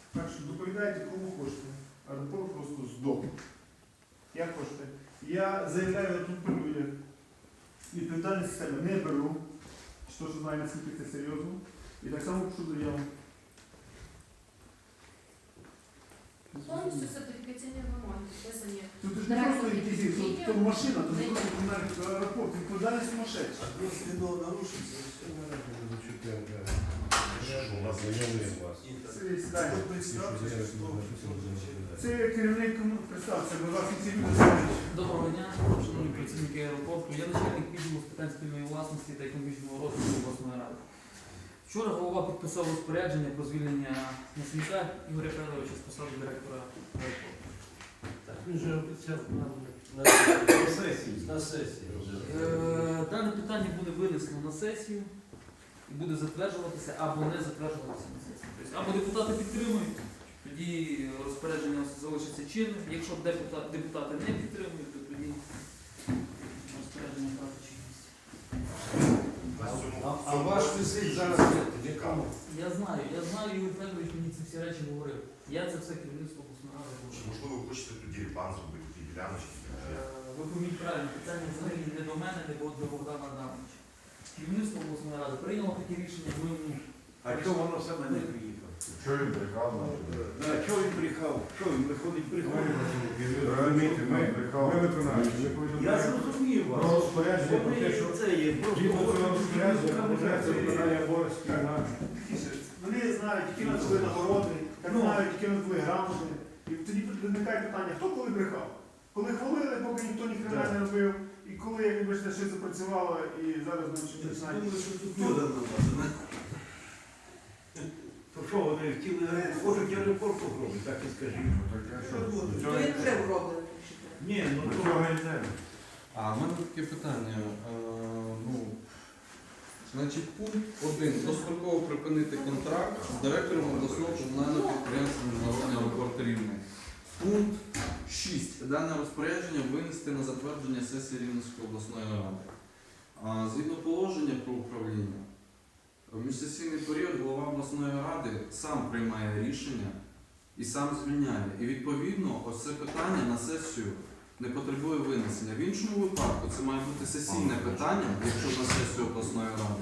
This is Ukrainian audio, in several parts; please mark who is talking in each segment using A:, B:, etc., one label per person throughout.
A: Так що доповідайте, кому хочете. Аеропорт просто здох. Як хочете. Я заявляю тут при людях. Відповідальність себе не беру. Що знаю, наскільки це серйозно. І так само пишу заяву.
B: Повністю сертифікаційні вимоги підписані.
A: Тут ж не просто якісь, то машина, то не просто комунальний аеропорт, відповідальність сумасшедша.
C: Адміністративно нарушиться, все наразі не зачепляємо.
D: У нас знайомий вас.
A: Сідайте.
C: Це
A: Це керівник, представся, будь ласка, ці люди знають.
E: Доброго дня, шановні працівники аеропорту. Я начальник відділу з питань спільної власності та економічного розвитку обласної ради. Вчора голова підписав розпорядження про звільнення Насміка Ігоря Федоровича з посади директора аеропорту.
C: Так, він же обіцяв нам на сесії.
E: Дане питання буде винесено на сесію і буде затверджуватися або не затверджуватися на сесії. Тобто, або депутати підтримують, тоді розпорядження залишиться чинним. Якщо депутати не підтримують, то тоді розпорядження втрати чинність.
C: А ваш висить зараз в якому?
E: Я знаю, Ігор Федорович мені ці всі речі говорив. Я це все керівництво обласної ради
D: Чи
E: говорив.
D: можливо ви хочете тоді репан зробити, ті діляночки?
E: Ви поміть правильно, питання взагалі не до мене, не до Богдана Адамовича. Керівництво обласної ради прийняло таке рішення, ми
C: А чого воно саме не приїхав?
F: Що він брехав?
C: Чого він брехав? Що він виходить брехав?
F: Розумієте, ми виконавчі, ми
C: Я
F: повідомляємо
C: зрозумів
F: про
C: вас.
F: розпорядження, про те, що
C: Це є просто
F: згідно цього розпорядження вважається виконання обов'язків на
A: Вони знають, які нас були нагороди, як
C: Ну.
A: знають, які нас були грамоти. І тоді виникає питання, хто коли брехав? Коли хвалили, поки ніхто ні хрена не робив, і коли, як вибачте, щось запрацювало, і зараз ми
C: Я
A: починаємо.
C: думаю, що тут люди написано. То що вони хотіли, хочуть аеропорт робити, так і скажіть.
F: Цього
B: Він вже вроблений.
C: Ні, ну
F: до
C: то...
F: цього йде.
G: А в мене таке питання. Значить, пункт 1. Достроково припинити контракт з директором обласного комунального підприємства Міжнародний аеропорт Рівне. Пункт 6. Дане розпорядження винести на затвердження сесії Рівненської обласної ради. Згідно положення про управління, в міжсесійний період голова обласної ради сам приймає рішення і сам звільняє. І відповідно ось це питання на сесію не потребує винесення. В іншому випадку це має бути сесійне питання, якщо на сесію обласної ради.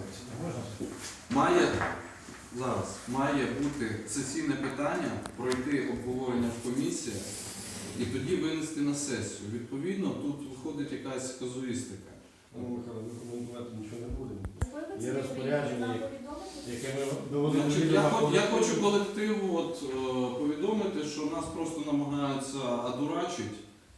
G: Має бути сесійне питання, пройти обговорення в комісіях і тоді винести на сесію. Відповідно, тут виходить якась казуїстика.
D: Ми коментувати нічого не будемо.
B: Є
D: розпорядження, яке ми
G: Значить, я хочу колективу повідомити, що нас просто намагаються одурачити.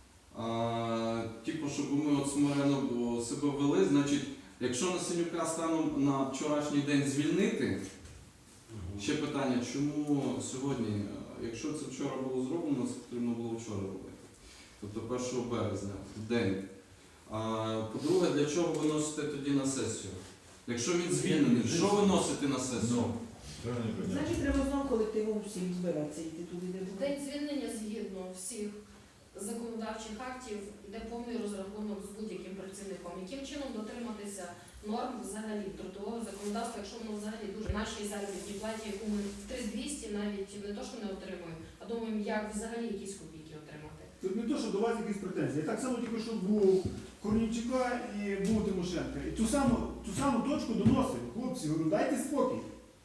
G: Типу, щоб ми смиренно себе вели. Значить, якщо Насенюка станом на вчорашній день звільнити, ще питання, чому сьогодні, якщо це вчора було зроблено, це потрібно було вчора робити. Тобто 1 березня, в день. По-друге, для чого виносите тоді на сесію? Якщо він звільнений, що виносити на сесію?
H: Значить, треба знову колективом всім збиратися йти туди, де
B: В день звільнення згідно всіх законодавчих актів йде повний розрахунок з будь-яким працівником. Яким чином дотриматися норм взагалі трудового законодавства, якщо воно взагалі дуже нашій заробітній платі, яку ми в 3200 навіть не то, що не отримуємо, а думаємо, як взагалі якісь копійки отримати.
A: Тут не то, що до вас якісь претензії. Так само тільки, що був Корнійчука і був Тимошенка. І ту саму точку доносив. Хлопці, говорю, дайте спокій.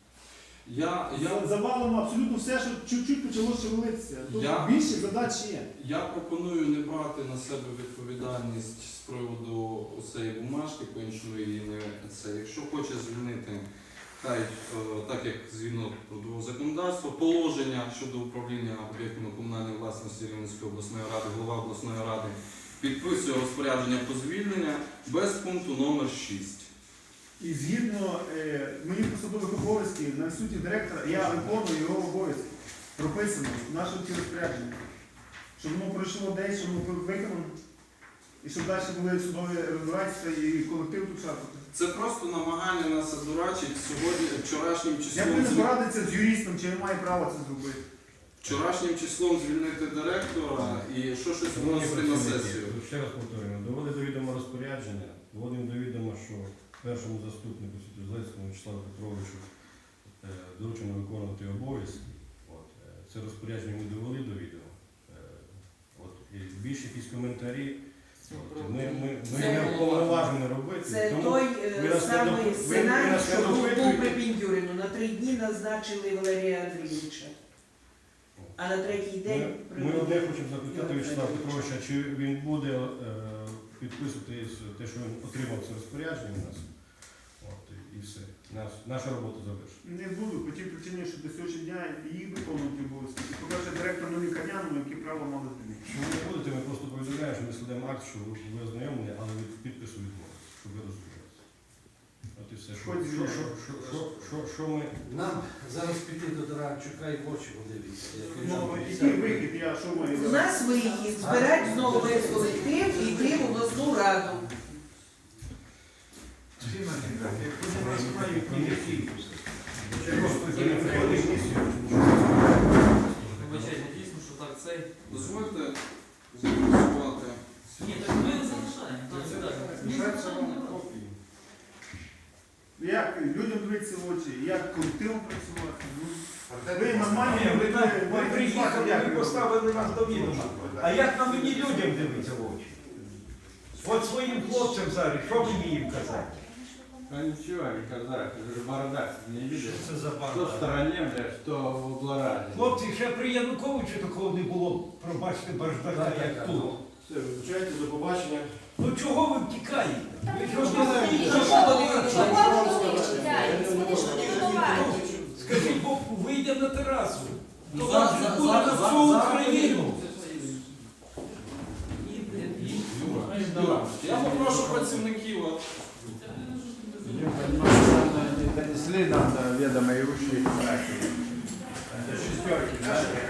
A: Завалимо абсолютно все, що чуть-чуть почало шевелитися. Тут більше задач є.
G: Я пропоную не брати на себе відповідальність з приводу цієї бумажки, по-іншому її не це. Якщо хоче звільнити, хай так як згідно трудового законодавства, положення щодо управління об'єктами комунальної власності Рівненської обласної ради, голова обласної ради підписує розпорядження про звільнення без пункту номер 6.
A: І згідно моїх посадових обов'язків на суті директора, я виконую його обов'язки. Прописано в нашому розпорядженні. Щоб воно пройшло десь, щоб воно виконано. І щоб далі були судові розбирательства і колектив тут шапати.
G: Це просто намагання нас одурачити сьогодні, вчорашнім
A: Я
G: числом.
A: повинен порадитися з юристом, чи він має право це зробити.
G: Вчорашнім числом звільнити директора і що щось вносити на сесію.
D: Ще раз повторюємо, доводить до відома розпорядження, доводимо до відома, що першому заступнику Святозлецькому Вячеславу Петровичу доручено виконувати обов'язки. це розпорядження ми довели до відома. От, і більше якісь коментарі. От, ми
H: Це-
D: не вповноважені робити.
H: Це
D: тому
H: той
D: ви нас не
H: самий
D: доп- ви
H: сценарій,
D: нас не
H: що був
D: допитуєте.
H: при Піндюрину. На 3 дні назначили Валерія Андрійовича. А на 3-й день
D: Ми одне хочемо запитати Вячеслава Петровича, чи він буде підписувати те, що він отримав це розпорядження у нас. От, і все. Наша робота завершена.
A: Не буду, по тій причині, що до сьогоднішнього дня її виконують обов'язки. По-перше, директор не лікарняному, які право мали змінити.
D: Якщо ви не будете, ми просто повідомляємо, що ми складемо акт, що ви ознайомлені, але від підпису відмовилися, щоб ви розумілися. От і все. Що ми...
C: Нам зараз піти до Таранчука і в очі подивитися.
A: Ну, який вихід, я що маю?
H: у нас вихід, збирати знову весь колектив і йти в обласну раду.
E: Вибачайте, дійсно, що так цей.
G: Дозвольте зафіксувати.
E: Ні, так ми не залишаємо. Ні, залишаємо не брати.
A: Як людям дивитися в очі, як колективом працювати. Ну, ви нормальні,
F: Ми приїхали, ви поставили нас до відома. А як на мені людям дивитися в очі? От своїм хлопцям зараз, що мені їм казати?
I: Ну ничего, не казак, это же бардак, не видишь?
F: Що це за
I: Что в
F: банда?
I: стороне, блядь, что в облараде.
F: Хлопці, ще при Януковичу такого не було, пробачте, бардака, як тут.
D: Все, вибачайте, до побачення.
F: Ну чого ви втікаєте? Ви що
H: Чого вони
F: Скажіть, бо вийдемо на терасу.
E: Ну,
F: То вас
E: зараз-
F: буде на
E: зараз-
F: всю
E: зараз-
F: Україну.
G: Юра, я попрошу працівників. от,
I: Я понимаю, что не донесли нам до ведомой уши.
F: Шестерки, так?